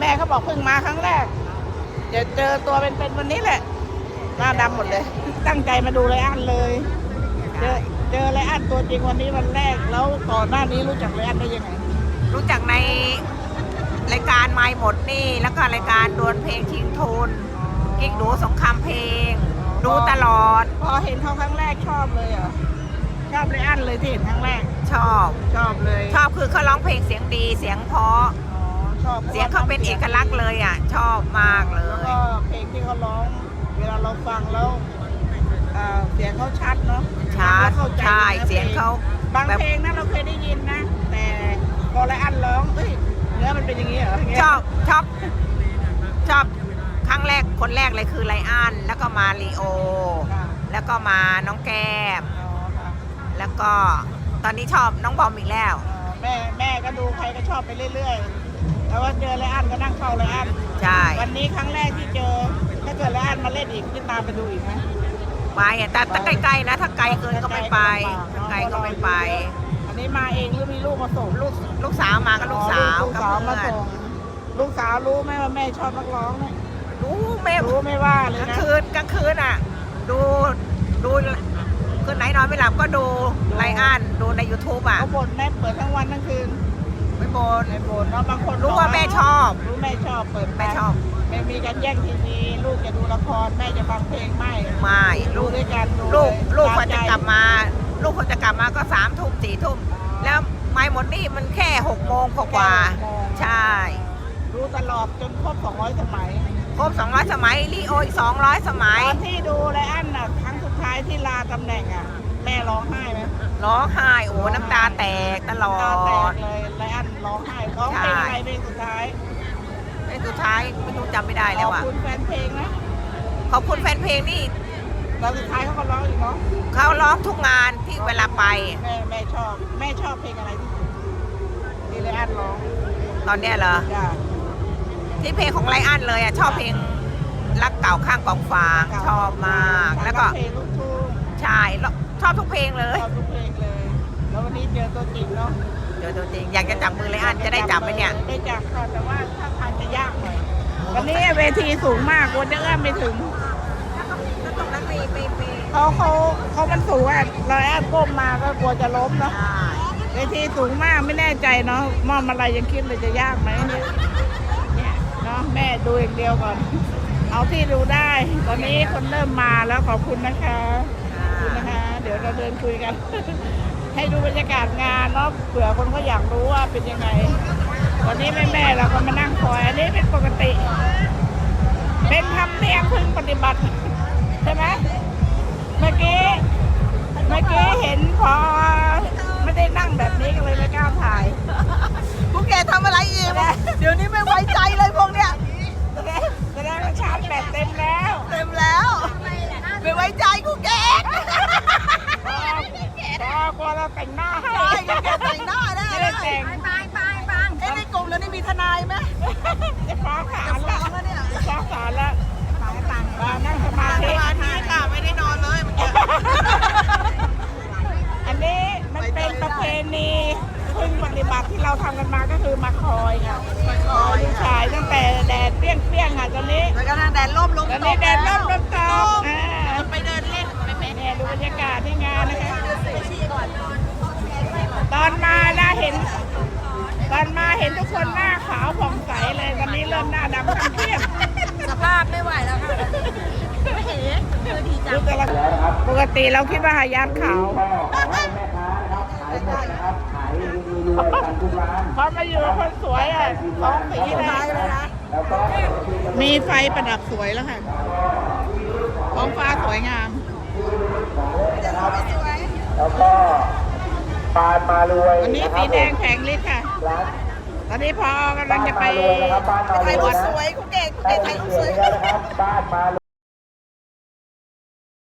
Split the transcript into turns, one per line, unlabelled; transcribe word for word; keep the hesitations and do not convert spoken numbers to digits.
ม่เขาบอกเพิ่งมาครั้งแรกจะเจอตัวเป็นๆวันนี้แหละหน้าดำหมดเลยตั้งใจมาดูไรอันเลยเจอเจอไรอันตัวจริงวันนี้วันแรกแล้วก่อนหน้านี้รู้จักไรอันได้ยังไง
รู้จักในรายการไมค์หมดนี่แล้วก็รายการดวลเพลงชิงทุนกิ๊กดูสงครามเพลงดูตลอด
พอเห็นเขาครั้งแรกชอบเลยเหรอชอบไรอันเลยที่เห็นครั้งแรก
ชอบ
ชอบเลย
ชอบคือเขาร้องเพลงเสียงดีเสียงเพราะ
ชอบ
เสียงเขาเป็นเอกลักษณ์เลยอ่ะชอบมากเลย
แล้วก็เพลงที่เขาร้องเวลาเราฟังแล้วเสียงเขาชัดเนาะ
ชัดใช่เสียงเขา
บางเพลงนะเราเคยได้ยินนะแต่พอไรอันร้องเฮ้ยเนื้อมันเป็นอย่างนี้เหรอ
ชอบชอบชอบครั้งแรกคนแรกเลยคือไรอันแล้วก็มาลีโอแล้วก็มาน้องแก้มแล้วก็ตอนนี้ชอบน้องบอมอีกแล้ว
แม่แม่ก็ดูใครก็ชอบไปเรื่อยๆแล้วว่าเจอไรอันก็นั่งเฝ้าไรอัน
ใช่
วันนี้ครั้งแรกที่เจอถ้าเกิดไรอันมาเล่นอีกพี่ตามไปดูอีกไหม
ไปแต่ถ้าใกล้ๆนะถ้าไกลเกินก็ไม่ไปถ้าไกลก็ไม่ไป
อันนี้มาเองหรือมีลูกมาส่ง
ลูกลูกสาวมากับลูกสาว
ลูกสาวมาส่งลูกสาวรู้ไหมว่าแม่ชอบนักร้องเนี่ย
รู้แม่
รู้ไม่ว่าเลย
นะกลางคืนกลางคืนอ่ะดูดูคืนไหนนอนไม่หลับก็ดูไรอันดูใน ยูทูบ อ่ะ
เขาบ่นแม่เปิดทั้งวันทั้งคืน
ไม่บ่น
ไม่บ่นเนาะบางคน
รู้ว่าแม่ชอบ
รู้แม่ชอบเปิด
แม่ชอบ
ไม่มีการแย่งทีวีลูกจะดูละครแม่จะฟังเพลงไม่
ไม่
ลูกด้วยกัน
ลูกลูกพอจะกลับมาลูกพอจะกลับมาก็สามทุ่มสี่ทุ่มแล้วไม่หมดนี่มันแค่หกโมงกว่าใช่
รู้ตลอดจนครบสองร้อยสมัย
ครบสองร้อยสมัยลีโออีกสองร้อยสมัย
ตอนที่ดูไรอันน่ะครั้งสุดท้ายที่ลาตำแหน่งอ่ะแม่ร้องไห้ไหม
ร้องไห้โอ้น้ำตาแตกตลอด
เลยไรอันร้องไห้ร้องเพลงอะไรเพลงสุดท้าย
เพลงสุดท้ายไม่รู้จำไม่ได้แล้วอ่ะ
ขอบคุณแฟนเพลงนะ
ขอบคุณแฟนเพลงนี่
ตอนสุดท้ายเขาก็ร้องอีกเนาะ
เขาร้องทุกงานที่เวลาไป
แม่แม่ชอบแม่ชอบเพลงอะไรที่สุดที่ไรอันร้อง
ตอนเนี้ยเหรอที่เพลงของไรอันเลยอ่ะชอบเพลงรักเก่าข้างกองฟางชอบมากแล้วก็
เพลงลูกทุ่ง
ใช่ชอบทุกเพลงเลย
ชอบทุกเพลงเลยแล้ววันนี้เจอตัวจริงเนาะ
เจอตัวจริงอยากจะจับมือไรอันจะได้จับไหมเนี่ย
ได้จับค่ะแต่ว่าถ้าทางจะยากหน่อยวันนี้เวทีสูงมากกลัวจะเอื้อมไม่ถึง
ตรงนั้นมีมี
เขาเขาเขามันสูงอ่ะเราแอบก้มมาก็กลัวจะล้มเนาะเวทีสูงมากไม่แน่ใจเนาะมอมอะไรยังคิดเลยจะยากไหมเนี่ยเนาะแม่ดูอย่างเดียวก่อนเอาที่ดูได้ตอนนี้คนเริ่มมาแล้วขอบคุณนะคะขอบคุณนะคะเดี๋ยวเราเดินคุยกันให้ดูบรรยากาศงานเนาะเผื่อคนเขาอยากรู้ว่าเป็นยังไงตอนนี้แม่แม่เราก็มานั่งคอยอันนี้เป็นปกติเป็นธรรมเนียมพึงปฏิบัติใช่ไหมเมื่อกี้เมื่อกี้เห็นพอไม่ได้นั่งแบบนี้ก็เลยไม่กล้าถ่าย
พวกแกทำอะไรอีกเดี๋ยวนี้ไม่ไว้ใจเลยพวกเนี้ย
แสดงว่าชาร์จแบตเต็มแล้ว
เต็มแล้วไม่ไว้ใจกูแก
พอพอเราแต่งหน้าให้
แกแต่งหน้าได้
ไม่ได้แต่ง
ไปไปฟังไอ้ในกลุ่มแล้วนี่มีทนายไหม
จะฟ้องศาลแล้วจะฟ้องศาลแล้วต่างมานั่งสมาธิ
ค่ะไม่ได้นอนเลย
อันนี้มันเป็นประเพณีพึงปฏิบัติที่เราทำกันมาก็คือมาคอยค่ะคอยลูกชายตั้งแต่แดดเปรี้ยงเปรี้ยงค่ะตอนนี้
แล้วก็ทางแดดร่มลม
ตอนนี้แดดร่มลมตก
ไปเดินเล่นไปแม่
เนี่ยดูบรรยากาศที่งานนะคะตอนมานะเห็นตอนมาเห็นทุกคนหน้าขาวผ่องใสเลยตอนนี้เริ่มหน้าดำเครียด
สภาพไม่ไหวแล้วค่ะไม่เห็น
ดูแต่ละปกติเราคิดว่าหายาดขาวพอมาอยู่กับคนสวยอ่ะสองสีเลยนะมีไฟประดับสวยแล้วค่ะท้องฟ้าสวยงาม
แล้วก็ปานมารวย
วันนี้สีแดงแผงฤทธิ์ค่ะตอนนี้พอกำลังจะไป
ถ่ายรูปสวยคุณเก่งคุณเก่งถ่ายรูปสวย
บ้านมา